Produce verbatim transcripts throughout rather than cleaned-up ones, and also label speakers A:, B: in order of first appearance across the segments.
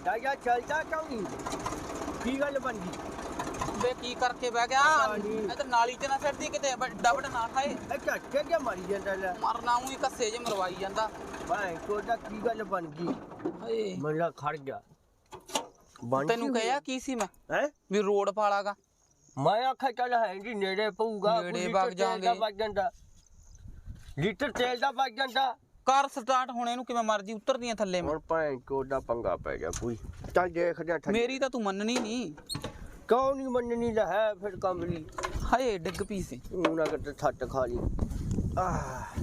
A: ਜਾ ਚੱਲਦਾ ਕਿਉਂ ਨਹੀਂ ਕੀ ਗੱਲ ਬਣ ਗਈ
B: ਬੇ ਕੀ ਕਰਕੇ ਬਹਿ ਗਿਆ ਇਧਰ ਨਾਲੀ ਚ ਨਾ ਛੱਡਦੀ ਕਿਤੇ ਵੱਡਾ ਵੱਡਾ ਨਾ ਖਾਏ
A: ਇਹ ਝੱਟੇ ਕੇ ਮਾਰੀ ਜਾਂਦਾ ਲੈ
B: ਮਰਨਾ ਉਹੀ ਕੱਸੇ ਜੇ ਮਰਵਾਈ ਜਾਂਦਾ
A: ਭਾਈ ਕੋਦਾ ਕੀ ਗੱਲ ਬਣ ਗਈ
B: ਹਏ
A: ਮੇਰਾ ਖੜ ਗਿਆ
B: ਤੈਨੂੰ ਕਹਿਆ ਕੀ ਸੀ ਮੈਂ
A: ਹੈ
B: ਵੀ ਰੋਡ ਪਾਲਾਗਾ
A: ਮੈਂ ਆਖਿਆ ਚੱਲ ਹੈ ਜੀ ਨੇੜੇ ਪਊਗਾ
B: ਨੇੜੇ ਵਗ ਜਾਾਂਗੇ
A: ਵਗ ਜਾਂਦਾ ਲੀਟਰ ਤੇਲ ਦਾ ਵਗ ਜਾਂਦਾ
B: ਕਾਰ ਸਟਾਰਟ ਹੋਣੇ ਨੂੰ ਕਿਵੇਂ ਮਰਜੀ ਉਤਰਦੀਆਂ ਥੱਲੇ ਮੈਂ
A: ਹੁਣ ਭਾਈ ਕੋਦਾ ਪੰਗਾ ਪੈ ਗਿਆ ਕੋਈ ਚੱਲ ਦੇਖਦੇ ਆ
B: ਮੇਰੀ ਤਾਂ ਤੂੰ ਮੰਨਣੀ ਨਹੀਂ
A: ਕੌਣ ਨਹੀਂ ਮੰਨਣੀ ਲੈ ਹੈ ਫਿਰ ਕੰਬਲੀ
B: ਹਾਏ ਡਿੱਗ ਪਈ ਸੀ
A: ਉਹਨਾਂ ਕਿਤੇ ਛੱਟ ਖਾ ਲਈ ਆਹ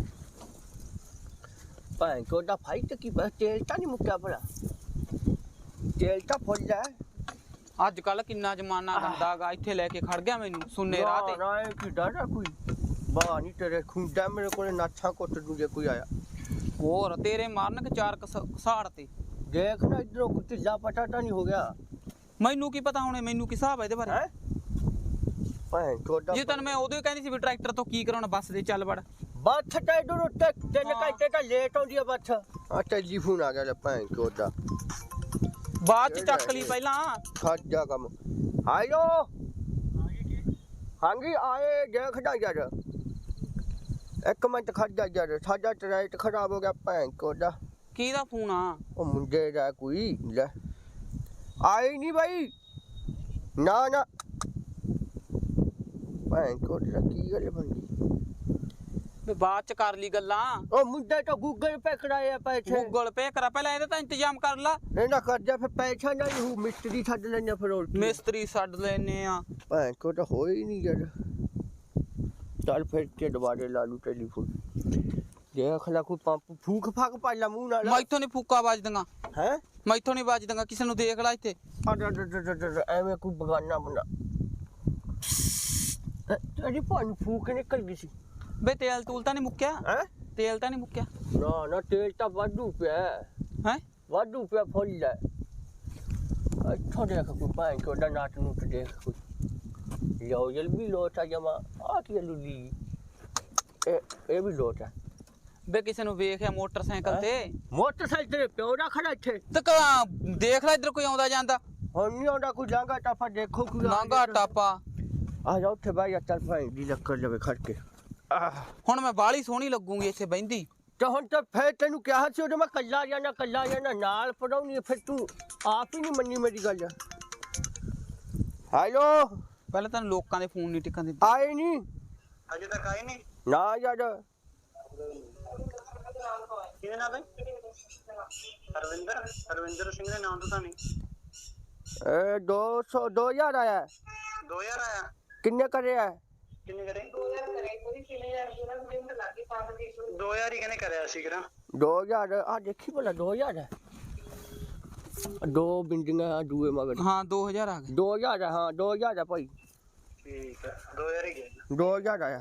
A: ਭਾਈ ਕੋਦਾ ਫਾਈਟ ਕੀ ਬਸ ਤੇਲ ਤਾਂ ਨਹੀਂ ਮੁੱਕਿਆ ਭਲਾ ਤੇਲ ਤਾਂ ਫੁੱਲ ਹੈ
B: ਅੱਜ ਕੱਲ ਕਿੰਨਾ ਜ਼ਮਾਨਾ ਗੰਦਾਗਾ ਇੱਥੇ ਲੈ ਕੇ ਖੜ ਗਿਆ ਮੈਨੂੰ ਸੁੰਨੇ ਰਾਹ ਤੇ
A: ਨਾ ਇਹ ਕੀ ਡਾਡਾ ਕੋਈ ਬਾਹ ਨਹੀਂ ਤੇਰੇ ਖੁੰਡਾ ਮੇਰੇ ਕੋਲੇ ਨਾਛਾਂ ਕੁੱਟ ਦੂ ਜੇ ਕੋਈ ਆਇਆ
B: ਹੋਰ ਤੇਰੇ ਮਾਰਨ ਕਿ ਚਾਰ ਕਸਾੜ ਤੇ
A: ਦੇਖ ਨਾ ਇਧਰੋਂ ਕੁਝ ਢਿੱਲਾ ਪਟਾਟਾ ਨਹੀਂ ਹੋ ਗਿਆ
B: ਮੈਨੂੰ ਕੀ ਪਤਾ ਹੁਣੇ ਮੈਨੂੰ ਕੀ ਹਿਸਾਬ ਹੈ ਇਹਦੇ ਬਾਰੇ
A: ਹੈ ਭਾਈ ਕੋਦਾ
B: ਜੇ ਤੈਨੂੰ ਮੈਂ ਉਦੋਂ ਹੀ ਕਹਿੰਦੀ ਸੀ ਵੀ ਟਰੈਕਟਰ ਤੋਂ ਕੀ ਕਰਾਉਣਾ ਬੱਸ ਦੇ ਚੱਲ ਵੜ
A: ਬੱਥ ਤੇ ਇਧਰੋਂ ਤੇ ਤਿੰਨ ਘੰਟੇ ਤਾਂ ਲੇਟ ਆਉਂਦੀ ਆ ਬੱਥ ਆ ਟੈਲੀਫੋਨ ਆ ਗਿਆ ਲੈ ਭਾਈ ਕੋਦਾ
B: ਬਾਅਦ ਚ ਚੱਕ ਲਈ ਪਹਿਲਾਂ
A: ਖੜ ਜਾ ਕੰਮ ਹਾਇਓ ਹਾਂਜੀ ਆਏ ਦੇਖ ਜਾ ਯਾਰ ਇੱਕ ਮਿੰਟ ਖੜ ਜਾ ਯਾਰ ਸਾਡਾ ਟਰੈਕਟਰ ਖਰਾਬ ਹੋ ਗਿਆ ਭੈਣ ਕੋਦਾ
B: ਕਿਹਦਾ ਫੋਨ ਆ
A: ਉਹ ਮੁੰਡੇ ਦਾ ਕੋਈ ਲੈ ਆਈ ਨਹੀਂ ਬਾਈ ਨਾ ਨਾ ਭੈਣ ਕੋਦਾ ਕੀ ਗੱਲ ਬਣ ਗਈ
B: ਵੀ ਬਾਅਦ ਚ ਕਰ ਲਈ ਗੱਲਾਂ
A: ਉਹ ਮੁੰਡੇ ਤਾਂ ਗੂਗਲ ਪੇ ਕਰਾਇਆ ਪੈਸੇ
B: ਗੂਗਲ ਪੇ ਕਰਾ ਪਹਿਲਾਂ ਇਹਦਾ ਤਾਂ ਇੰਤਜ਼ਾਮ ਕਰ ਲਾ
A: ਇਹਨਾਂ ਕਰ ਜਾ ਫਿਰ ਪੈਸਾ ਨਹੀਂ ਹੂ ਮਿਸਤਰੀ ਛੱਡ ਲੈਣੇ ਫਿਰ ਹੋਰ
B: ਮਿਸਤਰੀ ਛੱਡ ਲੈਨੇ ਆ
A: ਭੈਣ ਕੋਦਾ ਹੋਈ ਨਹੀਂ ਯਾਰ ਚੱਲ ਫਿਰ ਕੇ ਦੁਬਾਰੇ ਲਾ ਲੂ ਟੈਲੀਫੋਨ ਦੇਖ ਲੈ ਕੋਈ ਪੰਪ ਫੂਕ ਫਾਕ ਪਾ ਲਾ ਮੂੰਹ ਨਾਲ
B: ਮੈਥੋਂ ਨਹੀਂ ਫੂਕਾ ਵੱਜਦੀਆਂ
A: ਹੈ
B: ਮੈਥੋਂ ਨਹੀਂ ਵੱਜਦੀਆਂ ਕਿਸੇ ਨੂੰ ਦੇਖ ਲੈ ਇੱਥੇ
A: ਐਵੇਂ ਕੋਈ ਬਗਾਨਾ ਬਣਾ ਤੇਰੀ ਪਾਣੀ ਫੂਕ ਨਿਕਲ ਗਈ ਸੀ
B: ਬੇ ਤੇਲ ਤੂਲ ਤਾਂ ਨਹੀਂ ਮੁੱਕਿਆ
A: ਹੈ
B: ਤੇਲ ਤਾਂ ਨਹੀਂ ਮੁੱਕਿਆ
A: ਨਾ ਨਾ ਤੇਲ ਤਾਂ ਵਾਧੂ ਪਿਆ
B: ਹੈ
A: ਵਾਧੂ ਪਿਆ ਫੁੱਲ ਹੈ ਇੱਥੋਂ ਦੇਖ ਕੋਈ ਭਾਈ ਕੋਦਾ ਨਾਟ ਨੂੰ ਦੇਖ ਕੋਈ ਲਿਓ ਜਲ ਵੀ ਲੋਟਾ ਜਮਾ ਆ ਕੀ ਲੁੱਲੀ ਇਹ ਇਹ ਵੀ ਲੋਟਾ
B: ਬੇ ਕਿਸੇ ਨੂੰ ਵੇਖਿਆ ਮੋਟਰਸਾਈਕਲ ਤੇ
A: ਮੋਟਰਸਾਈਕਲ ਤੇ ਪਿਓ ਦਾ ਖੜਾ ਇੱਥੇ
B: ਤੇ ਦੇਖ ਲੈ ਇੱਧਰ ਕੋਈ ਆਉਂਦਾ ਜਾਂਦਾ
A: ਹੁਣ ਨਹੀਂ ਆਉਂਦਾ ਕੋਈ ਲਾਂਗਾ ਟਾਪਾ ਦੇਖੋ ਕੋਈ
B: ਲਾਂਗਾ ਟਾਪਾ
A: ਆ ਜਾ ਉੱਥੇ ਬਾਈ ਚੱਲ ਭਾਈ ਦੀ ਲੱਕੜ ਲਵੇ ਖੜ ਕੇ
B: ਹੁਣ ਮੈਂ ਬਾਲੀ ਸੋਹਣੀ ਲੱਗੂਗੀ ਇੱਥੇ ਬਹਿੰਦੀ
A: ਤੇ ਹੁਣ ਤਾਂ ਫੇਰ ਤੈਨੂੰ ਕਿਹਾ ਸੀ ਉਹਦੇ ਮੈਂ ਕੱਲਾ ਜਾਣਾ ਕੱਲਾ ਜਾਣਾ ਨਾਲ ਪੜਾਉਣੀ ਫਿਰ ਤੂੰ ਆਪ ਹੀ ਨਹੀਂ ਮੰਨੀ ਮੇਰੀ ਗੱਲ ਹੈਲੋ
B: ਪਹਿਲਾਂ ਤਾਂ ਲੋਕਾਂ ਦੇ ਫੋਨ ਨਹੀਂ ਟਿਕਣ ਦਿੰਦੇ
A: ਆਏ ਨਹੀਂ
C: ਅਜੇ ਤੱਕ ਆਏ ਨਹੀਂ
A: ਨਾ ਯਾਰ
C: ਕਿਹਦੇ ਨਾਲ ਬਈ ਹਰਵਿੰਦਰ ਹਰਵਿੰਦਰ ਸਿੰਘ ਦੇ ਨਾਮ ਤੋਂ ਤਾਂ ਨਹੀਂ
A: ਇਹ ਦੋ ਸੌ ਦੋ ਹਜ਼ਾਰ ਆਇਆ
C: ਦੋ ਹਜ਼ਾਰ ਆਇਆ
A: ਕਿੰਨੇ ਕਰਿਆ
C: ਕਿੰਨੇ ਕਰੇ ਦੋ ਹਜ਼ਾਰ ਕਰੇ ਕੋਈ ਤਿੰਨ ਹਜ਼ਾਰ ਜਿਹੜਾ ਮੈਨੂੰ ਲੱਗੇ ਪੰਜ ਸੌ ਦੋ ਹਜ਼ਾਰ ਹੀ ਕਹਿੰਦੇ ਕਰਿਆ ਸੀ ਕਿਰਾ
A: ਦੋ ਹਜ਼ਾਰ ਆ ਦੇਖੀ ਭਲਾ ਦੋ ਹਜ਼ਾਰ ਹੈ ਦੋ ਬਿੰਦੀਆਂ ਦੂਏ ਮਗਰ
B: ਹਾਂ ਦੋ ਹਜ਼ਾਰ ਆ ਗਏ
A: ਦੋ ਹਜ਼ਾਰ ਹਾਂ ਦੋ ਹਜ਼ਾਰ ਆ ਭਾਈ
C: ਠੀਕ ਹੈ ਦੋ ਹਜ਼ਾਰ ਹੀ ਗਿਆ
A: ਦੋ ਹਜ਼ਾਰ ਆਇਆ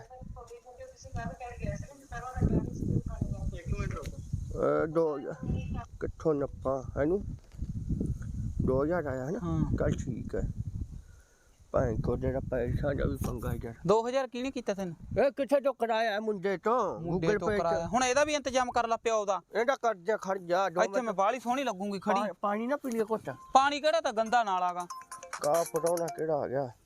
C: ਇੱਕ ਮਿੰਟ ਰੁਕੋ
A: ਇਹ ਦੋ ਹਜ਼ਾਰ ਕਿੱਥੋਂ ਨੱਪਾਂ ਇਹਨੂੰ ਦੋ ਹਜ਼ਾਰ ਆਇਆ ਹੈ ਨਾ
B: ਹਾਂ
A: ਚੱਲ ਠੀਕ ਹੈ ਭਾਈ ਕੋ ਜਿਹੜਾ ਪੈਸਾ ਦਾ ਵੀ ਪੰਗਾ ਯਾਰ
B: ਦੋ ਹਜ਼ਾਰ ਕਿਹਨੇ ਕੀਤਾ ਤੈਨੂੰ
A: ਇਹ ਕਿੱਥੇ ਤੋਂ ਕਰਾਇਆ ਮੁੰਡੇ ਤੋਂ
B: ਮੁੰਡੇ
A: ਗੂਗਲ
B: ਤੋਂ
A: ਪੇ
B: ਕਰਾਇਆ ਹੁਣ ਇਹਦਾ ਵੀ ਇੰਤਜ਼ਾਮ ਕਰ ਲਾ ਪਿਓ ਦਾ
A: ਇਹਦਾ ਕਰਜ਼ਾ ਖੜ ਜਾ ਦੋ
B: ਇੱਥੇ ਮੈਂ ਬਾਲੀ ਸੋਹਣੀ ਲੱਗੂਗੀ ਖੜੀ
A: ਪਾ- ਪਾਣੀ ਨਾ ਪੀ ਲਿਆ ਘੁੱਟ
B: ਪਾਣੀ ਕਿਹੜਾ ਤਾਂ ਗੰਦਾ ਨਾਲ ਆਗਾ
A: ਕਾ ਪਟਾਉਣਾ ਕਿਹੜਾ ਆ ਗਿਆ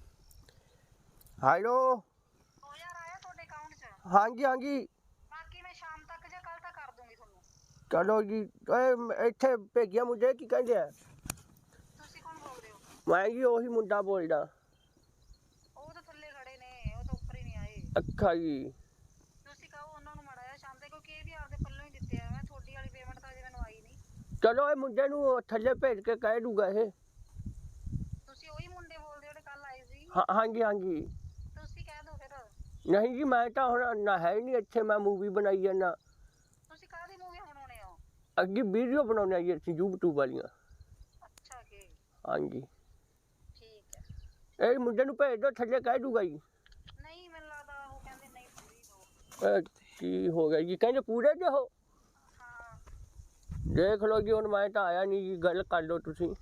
A: ਹੈਲੋ
D: ਦੋ ਹਜ਼ਾਰ ਆਇਆ ਤੁਹਾਡੇ ਅਕਾਊਂਟ 'ਚ
A: ਹਾਂਜੀ ਹਾਂਜੀ
D: ਬਾਕੀ ਮੈਂ ਸ਼ਾਮ ਤੱਕ ਜਾਂ ਕੱਲ ਤੱਕ ਕਰ ਦੂੰਗੀ ਤੁਹਾਨੂੰ
A: ਚਲੋ ਜੀ ਓਏ ਇੱਥੇ ਭੇਜਿਆ ਮੁੰਡੇ ਕੀ ਕਹਿੰਦੇ ਆ
D: ਤੁਸੀਂ ਕੌਣ ਬੋਲਦੇ ਹੋ
A: ਮੈਂ ਜੀ ਉਹੀ ਮੁੰਡਾ ਬੋਲਦਾ
D: ਉਹ ਤਾਂ ਥੱਲੇ ਖੜੇ ਨੇ ਉਹ ਤਾਂ ਉੱਪਰ ਹੀ ਨਹੀਂ ਆਏ
A: ਅੱਛਾ ਜੀ
D: ਤੁਸੀਂ ਕਹੋ ਉਹਨਾਂ ਨੂੰ ਮੜਾਇਆ ਸ਼ਾਮ ਤੱਕ ਕਿਉਂਕਿ ਇਹ ਵੀ ਆਪਦੇ ਪੱਲੋਂ ਹੀ ਦਿੱਤੇ ਆ ਮੈਂ ਤੁਹਾਡੀ ਵਾਲੀ ਪੇਮੈਂਟ ਤਾਂ ਅਜੇ ਮੈਨੂੰ ਆਈ ਨਹੀਂ
A: ਚਲੋ ਇਹ ਮੁੰਡੇ ਨੂੰ ਥੱਲੇ ਭੇਜ ਕੇ ਕਹਿ ਦੂਗਾ ਇਹ
D: ਤੁਸੀਂ ਉਹੀ ਮੁੰਡੇ ਬੋਲਦੇ ਹੋ ਜਿਹੜੇ ਕੱਲ ਆਏ ਸੀ
A: ਹਾਂ ਹਾਂਜੀ ਹਾਂਜੀ
D: ਤੁਸੀਂ ਕਹਿ ਦਿਓ ਫਿਰ
A: ਨਹੀਂ ਜੀ ਮੈਂ ਤਾਂ ਹੁਣ ਨਾ ਹੈ ਨਹੀਂ ਇੱਥੇ ਮੈਂ ਮੂਵੀ ਬਣਾਈ ਜਾਂਦਾ
D: ਤੁਸੀਂ ਕਾਹਦੀ ਮੂਵੀ ਬਣਾਉਣੇ ਹੋ
A: ਅੱਗੇ ਵੀਡੀਓ ਬਣਾਉਣੇ ਆਈ ਅਸੀਂ YouTube ਵਾਲੀਆਂ
D: ਅੱਛਾ ਕਿ
A: ਹਾਂਜੀ
D: ਠੀਕ ਹੈ
A: ਇਹ ਮੁੰਡੇ ਨੂੰ ਭੇਜ ਦੋ ਥੱਲੇ ਕਹਿ ਦੂਗਾ ਜੀ
D: ਨਹੀਂ ਮੈਨੂੰ ਲੱਗਦਾ ਉਹ ਕਹਿੰਦੇ ਨਹੀਂ ਪੂਰੀ ਦੋ
A: ਇਹ ਕੀ ਹੋ ਗਿਆ ਜੀ ਕਹਿੰਦੇ ਪੂਰੇ ਜੇ ਹੋ
D: ਹਾਂ
A: ਦੇਖ ਲਓ ਜੀ ਹੁਣ ਮੈਂ ਤਾਂ ਆਇਆ ਨਹੀਂ ਜੀ ਗੱਲ ਕਰ ਲਓ ਤੁਸੀਂ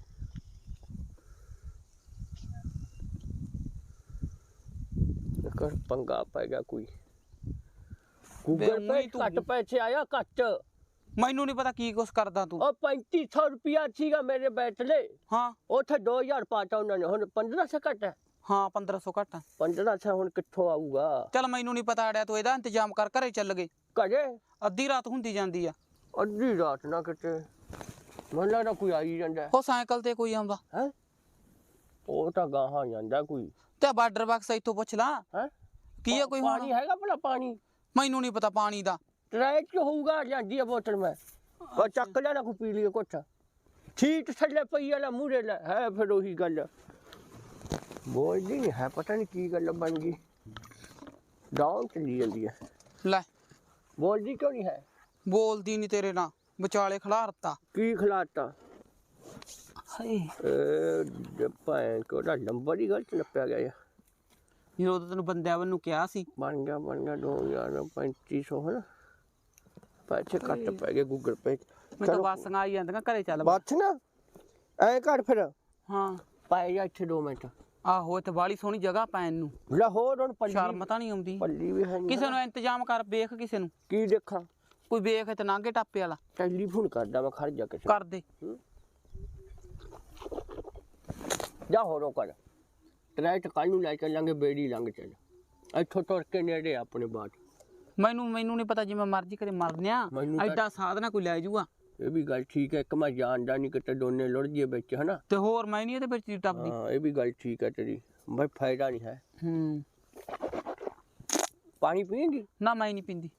A: ਕਰ ਪੰਗਾ ਪੈ ਗਿਆ ਕੋਈ ਗੂਗਲ ਪੇ ਘੱਟ ਪੈਸੇ ਆਇਆ ਘੱਟ
B: ਮੈਨੂੰ ਨਹੀਂ ਪਤਾ ਕੀ ਕੁਛ ਕਰਦਾ ਤੂੰ।
A: ਉਹ ਪੈਂਤੀ ਸੌ ਰੁਪਿਆ ਸੀਗਾ ਮੇਰੇ ਬੈਠਲੇ।
B: ਹਾਂ
A: ਉੱਥੇ ਦੋ ਹਜ਼ਾਰ ਪਾਤਾ ਉਹਨਾਂ ਨੇ, ਹੁਣ ਪੰਦਰਾਂ ਸੌ ਘੱਟ ਹੈ।
B: ਹਾਂ ਪੰਦਰਾਂ ਸੌ ਘੱਟ।
A: ਪੰਦਰਾਂ ਸੌ ਹੁਣ ਕਿੱਥੋਂ ਆਊਗਾ?
B: ਚੱਲ ਮੈਨੂੰ ਨਹੀਂ ਪਤਾ ਅੜਿਆ, ਤੂੰ ਇਹਦਾ ਇੰਤਜ਼ਾਮ ਕਰ, ਘਰੇ ਚੱਲ ਗਏ।
A: ਘਰੇ
B: ਅੱਧੀ ਰਾਤ ਹੁੰਦੀ ਜਾਂਦੀ ਆ।
A: ਅੱਧੀ ਰਾਤ ਨਾ ਕਿਤੇ ਮੈਨੂੰ ਲੱਗਦਾ ਕੋਈ ਆਈ ਜਾਂਦਾ
B: ਉਹ ਸਾਈਕਲ ਤੇ ਕੋਈ ਆਉਂਦਾ
A: ਹੈ। ਉਹ ਤਾਂ ਗਾਹਾਂ ਜਾਂਦਾ ਕੋਈ।
B: ਤੇ ਬਾਰਡਰ ਬਾਕਸ ਇੱਥੋਂ ਪੁੱਛ ਲਾ
A: ਹੈ
B: ਕੀ ਆ ਕੋਈ ਹੁਣ।
A: ਪਾਣੀ ਹੈਗਾ ਭਲਾ? ਪਾਣੀ
B: ਮੈਨੂੰ ਨਹੀਂ ਪਤਾ ਪਾਣੀ ਦਾ।
A: ਟਰੈਕ ਚ ਹੋਊਗਾ, ਜਾਂਦੀ ਆ ਬੋਤਲ ਮੈਂ ਉਹ ਚੱਕ ਲੈਣਾ ਕੋਈ ਪੀ ਲਈ ਕੁਛ। ਸੀਟ ਥੱਲੇ ਪਈ ਵਾਲਾ ਮੂਹਰੇ ਲੈ ਹੈ, ਫਿਰ ਉਹੀ ਗੱਲ ਬੋਲਦੀ ਨਹੀਂ ਹੈ, ਪਤਾ ਨਹੀਂ ਕੀ ਗੱਲ ਬਣ ਗਈ। ਡਾਊਨ ਚਲੀ ਜਾਂਦੀ ਹੈ।
B: ਲੈ
A: ਬੋਲਦੀ ਕਿਉਂ ਨਹੀਂ ਹੈ?
B: ਬੋਲਦੀ ਨਹੀਂ ਤੇਰੇ ਨਾਲ, ਵਿਚਾਲੇ ਖਿਲਾਰਤਾ।
A: ਕੀ ਖਿਲਾਤਾ?
B: ਹਾਏ
A: ਇਹ ਭਾਂ ਕੋਦਾ ਨੰਬਰ ਹੀ ਗਲਤ ਨੱਪਿਆ ਗਿਆ ਯਾਰ।
B: ਜਦੋਂ ਤਾਂ ਤੈਨੂੰ ਬੰਦਿਆਂ ਵੱਲੋਂ ਕਿਹਾ ਸੀ।
A: ਬਣ ਗਿਆ ਬਣ ਗਿਆ ਦੋ ਹਜ਼ਾਰ ਪੈਂਤੀ ਸੌ ਹੈ ਨਾ। ਪੈਸੇ ਘੱਟ ਪੈ ਗਏ ਗੂਗਲ ਪੇ।
B: ਮੈਂ ਤਾਂ ਬੱਸਾਂ ਆਈ ਜਾਂਦੀਆਂ, ਘਰੇ ਚੱਲ।
A: ਬੱਸ ਨਾ ਐ ਘੱਟ ਫਿਰ
B: ਹਾਂ
A: ਪਾਏ ਜਾ ਇੱਥੇ ਦੋ ਮਿੰਟ।
B: ਆਹੋ ਇੱਥੇ ਬਾਲੀ ਸੋਹਣੀ ਜਗ੍ਹਾ ਪੈਣ ਨੂੰ।
A: ਲਾਹੌਰ ਹੁਣ ਪੱਲੀ
B: ਸ਼ਰਮ ਤਾਂ ਨਹੀਂ ਆਉਂਦੀ?
A: ਪੱਲੀ ਵੀ ਹੈ ਨਹੀਂ।
B: ਕਿਸੇ ਨੂੰ ਇੰਤਜ਼ਾਮ ਕਰ, ਵੇਖ ਕਿਸੇ ਨੂੰ।
A: ਕੀ ਦੇਖਾਂ?
B: ਕੋਈ ਵੇਖ ਇੱਥੇ ਨਾਂਗੇ ਟਾਪੇ ਵਾਲਾ।
A: ਟੈਲੀਫੋਨ ਕਰਦਾ ਮੈਂ, ਖੜ ਜਾ ਕਿਸੇ
B: ਕਰ ਦੇ।
A: ਜਾ ਹੋਰੋ ਕਰ ਟਰੈਕ ਕੱਲ ਨੂੰ ਲੈ ਚੱਲਾਂਗੇ, ਬੇੜੀ ਲੰਘ ਚੱਲ ਇੱਥੋਂ ਤੁਰ ਕੇ ਨੇੜੇ ਆਪਣੇ ਬਾਟ।
B: ਮੈਨੂੰ ਮੈਨੂੰ ਨਹੀਂ ਪਤਾ, ਜਿਵੇਂ ਮਰਜ਼ੀ ਕਰੇ ਮਰਨਿਆ।
A: ਮੈਨੂੰ ਤਾਂ-
B: ਐਡਾ ਸਾਧਨਾ ਕੋਈ ਲੈ ਜੂਗਾ।
A: ਇਹ ਵੀ ਗੱਲ ਠੀਕ ਹੈ, ਇੱਕ ਮੈਂ ਜਾਣਦਾ ਨਹੀਂ ਕਿਤੇ ਦੋਨੇ ਲੁੜ ਜੀਏ ਵਿੱਚ ਹਨਾ।
B: ਤੇ ਹੋਰ ਮੈਂ ਨਹੀਂ ਇਹਦੇ ਵਿੱਚ ਦੀ ਟੱਪਦੀ।
A: ਹਾਂ ਇਹ ਵੀ ਗੱਲ ਠੀਕ ਹੈ ਤੇਰੀ, ਬਈ ਫਾਇਦਾ ਨਹੀਂ ਹੈ।
B: ਹੂੰ
A: ਪਾਣੀ ਪੀਂਗੀ?
B: ਨਾ ਮੈਂ ਨਹੀਂ ਪੀਂਦੀ।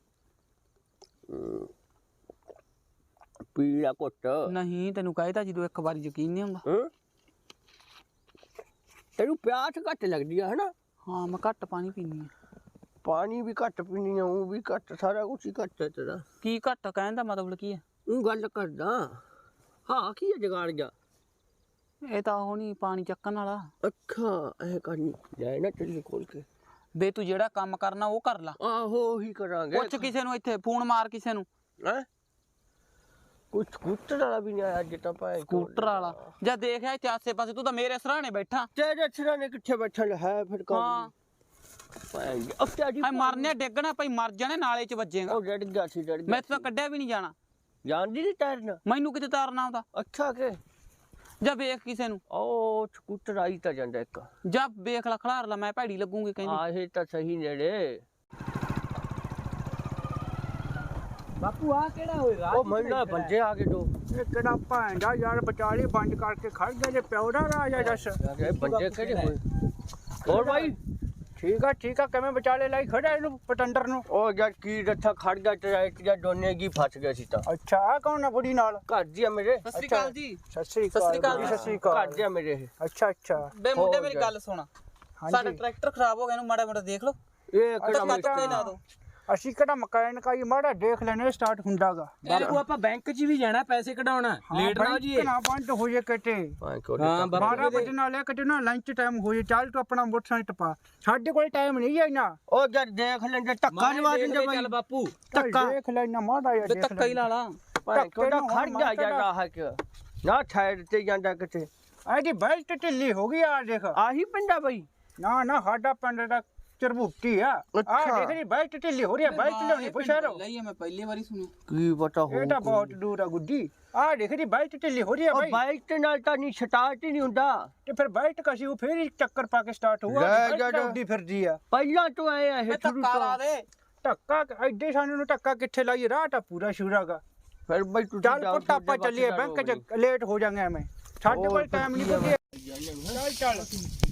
A: ਪੀ ਲਿਆ ਘੁੱਟ।
B: ਨਹੀਂ ਤੈਨੂੰ ਕਹਿਤਾ ਜਦੋਂ ਇੱਕ ਵਾਰੀ ਯਕੀਨ ਨਹੀਂ ਹੁੰਦਾ।
A: ਹਾਂ ਤੈਨੂੰ ਪਿਆਸ ਘੱਟ ਲੱਗਦੀ ਆ ਹਨਾ।
B: ਹਾਂ ਮੈਂ ਘੱਟ ਪਾਣੀ ਪੀਂਦੀ ਆ।
A: ਪਾਣੀ ਵੀ ਘੱਟ ਪੀਣੀ ਆ, ਉਹ ਵੀ ਘੱਟ, ਸਾਰਾ ਕੁਛ ਹੀ ਘੱਟ ਹੈ ਤੇਰਾ।
B: ਕੀ ਘੱਟ ਕਹਿਣ ਦਾ ਮਤਲਬ ਕੀ ਹੈ?
A: ਉਹ ਗੱਲ ਕਰਦਾ ਹਾਂ ਕੀ ਹੈ ਜਗਾੜ ਜਾ।
B: ਇਹ ਤਾਂ ਉਹ ਨਹੀਂ ਪਾਣੀ ਚੱਕਣ ਵਾਲਾ।
A: ਅੱਖਾਂ ਐ ਕਰਨੀ ਜਾਏ ਨਾ ਚੱਲੀ ਖੋਲ ਕੇ।
B: ਬੇ ਤੂੰ ਜਿਹੜਾ ਕੰਮ ਕਰਨਾ ਉਹ ਕਰ ਲਾ।
A: ਆਹੋ ਉਹੀ ਕਰਾਂਗੇ।
B: ਪੁੱਛ ਕਿਸੇ ਨੂੰ, ਇੱਥੇ ਫੋਨ ਮਾਰ ਕਿਸੇ ਨੂੰ।
A: ਹੈ ਕੁਛ ਸਕੂਟਰ ਵਾਲਾ ਵੀ ਨਹੀਂ ਆਇਆ ਅੱਜ ਤਾਂ ਭਾਈ।
B: ਸਕੂਟਰ ਵਾਲਾ ਜਾਂ ਦੇਖਿਆ ਇੱਥੇ ਆਸੇ ਪਾਸੇ, ਤੂੰ ਤਾਂ ਮੇਰੇ ਸਰਾਣੇ ਬੈਠਾ।
A: ਤੇਰੇ ਸਿਰਾਂ ਨੇ ਕਿੱਥੇ ਬੈਠਾ ਹੈ ਫਿਰ ਕੰਮ।
B: ਹਾਂ
A: ਭਾਈ ਅੱਛਾ ਜੀ
B: ਹਾਏ ਮਰਨੇ ਡਿੱਗਣਾ ਭਾਈ, ਮਰ ਜਾਣੇ ਨਾਲੇ ਚ ਵੱਜੇਗਾ।
A: ਉਹ ਡੜ ਗਿਆ ਸੀ ਡੜ ਗਿਆ।
B: ਮੈਂ ਤਾਂ ਕੱਢਿਆ ਵੀ ਨਹੀਂ ਜਾਣਾ।
A: ਜਾਣਦੀ ਨਹੀਂ ਤੈਰਨ?
B: ਮੈਨੂੰ ਕਿਤੇ ਤਾਰਨਾ ਆਉਂਦਾ।
A: ਅੱਛਾ ਕਿ
B: ਜਾਂ ਵੇਖ ਕਿਸੇ ਨੂੰ।
A: ਉਹ ਸਕੂਟਰ ਆਈ ਤਾਂ ਜਾਂਦਾ ਇੱਕ।
B: ਜਾਂ ਵੇਖ ਲਾ, ਖਲਾਰ ਲਾ, ਮੈਂ ਭੈੜੀ ਲੱਗੂਗੀ ਕਹਿੰਦੀ।
A: ਆਹੇ ਤਾਂ ਸਹੀ ਨੇੜੇ।
E: ਬਾਪੂ ਆ ਕਿਹੜਾ ਹੋਏਗਾ?
A: ਉਹ ਮੰਨਾ ਬੰਦੇ ਆ ਗਏ ਦੋ।
E: ਇਹ ਕਿਹੜਾ ਭਾਂਡਾ ਯਾਰ ਵਿਚਾਲੇ ਬੰਦ ਕਰਕੇ ਖੜ ਗਿਆ ਜੇ ਪਿਓ ਦਾ ਰਾਜ ਆ ਜੱਸ।
A: ਇਹ ਬੰਦੇ ਕਿਹੜੇ ਹੋਏ? ਹੋਰ ਭਾਈ
E: ਠੀਕ ਆ ਠੀਕ ਆ, ਕਿਵੇਂ ਵਿਚਾਲੇ ਲਾਈ ਖੜਾ ਇਹਨੂੰ ਪਟੰਡਰ ਨੂੰ?
A: ਉਹ ਯਾਰ ਕੀ ਰੱਥਾ ਖੜ ਗਿਆ ਟਰੈਕ ਜਾਂ ਦੋਨੇ ਕੀ ਫਸ ਗਿਆ ਸੀ ਤਾਂ।
E: ਅੱਛਾ ਆ ਕੌਣ ਆ ਬੁੜੀ ਨਾਲ?
A: ਘਰ ਜੀ ਆ ਮੇਰੇ।
B: ਸਤਿ ਸ੍ਰੀ ਅਕਾਲ ਜੀ।
E: ਸਤਿ ਸ੍ਰੀ
B: ਸਤਿ ਸ੍ਰੀ ਅਕਾਲ
E: ਜੀ, ਸਤਿ ਸ੍ਰੀ
A: ਘਰ
E: ਅਕਾਲ।
A: ਜੀ ਆ ਮੇਰੇ ਇਹ।
E: ਅੱਛਾ ਅੱਛਾ
B: ਬੇ ਮੁੰਡੇ
A: ਹੋਰ
B: ਮੇਰੀ
A: ਯਾਰ।
B: ਗੱਲ ਸੁਣ, ਸਾਡਾ
E: ਹਾਂਜੀ
B: ਟਰੈਕਟਰ ਖਰਾਬ ਹੋ ਗਿਆ, ਇਹਨੂੰ ਮਾੜਾ ਮਾੜਾ ਦੇਖ ਲਓ।
A: ਇਹ
B: ਤਾਂ
A: ਕਿਹੜਾ
B: ਕੱਟ ਕੇ ਲਾ ਦੋ।
E: ਅਸੀਂ ਕਿਹੜਾ ਮਕੈਨਿਕ ਆਈ ਮਾੜਾ ਦੇਖ ਲੈਣੇ ਸਟਾਰਟ ਹੁੰਦਾਗਾ।
F: ਬਾਪੂ ਆਪਾਂ ਬੈਂਕ 'ਚ ਵੀ ਜਾਣਾ ਪੈਸੇ ਕਢਾਉਣਾ, ਲੇਟ ਨਾ ਹੋ ਜੀ।
E: ਨਾ ਬੰਦ ਹੋ ਜੇ ਕਿਤੇ
F: ਹਾਂ, ਬਾਪੂ
E: ਬਾਰਾਂ ਵਜੇ ਨਾਲ ਲੈ ਕਿਤੇ ਨਾ ਲੰਚ ਟਾਈਮ ਹੋ ਜੇ, ਚੱਲ ਤੂੰ ਆਪਣਾ ਮੋਟਰਸਾਈਕਲ ਟਪਾ, ਸਾਡੇ ਕੋਲ ਟਾਈਮ ਨਹੀਂ ਹੈ ਨਾ।
A: ਉਹ ਜਦ ਦੇਖ ਲੈਂਦੇ ਧੱਕਾ ਜਵਾ ਦਿੰਦੇ ਬਾਈ।
F: ਚੱਲ ਬਾਪੂ
A: ਧੱਕਾ
E: ਦੇਖ ਲੈ ਨਾ ਮਾੜਾ ਜਿਹਾ
B: ਬੇ
E: ਦੇਖ
B: ਧੱਕਾ ਹੀ ਲਾ ਲਾ।
A: ਭਾਈ ਕੋਦਾ
E: ਨੂੰ
A: ਖੜ
E: ਹੁਣ
A: ਜਾ
E: ਮੈਂ
A: ਜਾਂਦਾ ਹੈ ਕਿ ਨਾ ਸਾਈਡ ਤੇ ਜਾਂਦਾ ਕਿਤੇ।
E: ਇਹਦੀ ਬੈਲਟ ਢਿੱਲੀ ਹੋ ਗਈ ਆ ਦੇਖ।
A: ਆਹੀ ਪਿੰਡਾ ਬਾਈ।
E: ਨਾ ਨਾ ਸਾਡਾ ਪਿੰਡ ਦਾ ਚਰਬੂਟੀ ਆ। ਆ
A: ਅੱਛਾ।
E: ਦੇਖ ਨੀ ਬੈਲਟ ਢਿੱਲੀ ਹੋ ਰਹੀ ਆ, ਬੈਲਟ ਲਿਆਉਣੀ ਪੁੱਛਿਆ ਰੋ।
B: ਲਈ ਮੈਂ ਪਹਿਲੀ ਵਾਰੀ ਸੁਣੀ।
A: ਕੀ ਪਤਾ ਹੋ
E: ਇਹ ਤਾਂ ਬਹੁਤ ਦੂਰ ਆ ਗੁੱਡੀ। ਆ ਦੇਖ ਨੀ ਬੈਲਟ ਢਿੱਲੀ ਹੋ ਰਹੀ ਆ
A: ਉਹ
E: ਬਾਈ।
A: ਬਾਈਕ ਤੇ ਨਾਲ ਤਾਂ ਨਹੀਂ ਸਟਾਰਟ ਹੀ ਨਹੀਂ ਹੁੰਦਾ।
E: ਤੇ ਫਿਰ ਬੈਲਟ ਕਸੀ ਉਹ ਫੇਰ ਹੀ ਚੱਕਰ ਪਾ ਕੇ ਸਟਾਰਟ ਹੋਊਗਾ।
A: ਲੈ
E: ਬੈਲਟ
A: ਜਾ ਜਾ।
E: ਉੱਡੀ ਫਿਰਦੀ ਆ।
A: ਪਹਿਲਾਂ ਤੋਂ ਆਏ ਆ ਇਹ
B: ਬੇ
A: ਸ਼ੁਰੂ
B: ਧੱਕਾ ਲਾ
A: ਤੋਂ।
B: ਦੇ।
E: ਧੱਕਾ ਐਡੇ ਸਾਨੂੰ ਨੂੰ ਧੱਕਾ ਕਿੱਥੇ ਲਾਈ, ਰਾਹ ਤਾਂ ਪੂਰਾ ਸ਼ੂਰਾਗਾ।
A: ਫਿਰ ਬਾਈ ਤੂੰ
E: ਚੱਲ ਪੁੱਤ ਆਪਾਂ ਚੱਲੀਏ, ਬੈਂਕ ਚ ਲੇਟ ਹੋ ਜਾਾਂਗੇ ਐਵੇਂ, ਸਾਡੇ ਕੋਲ ਟਾਈਮ ਨਹੀਂ ਬੁੱਢੇ। ਚੱਲ ਚੱਲ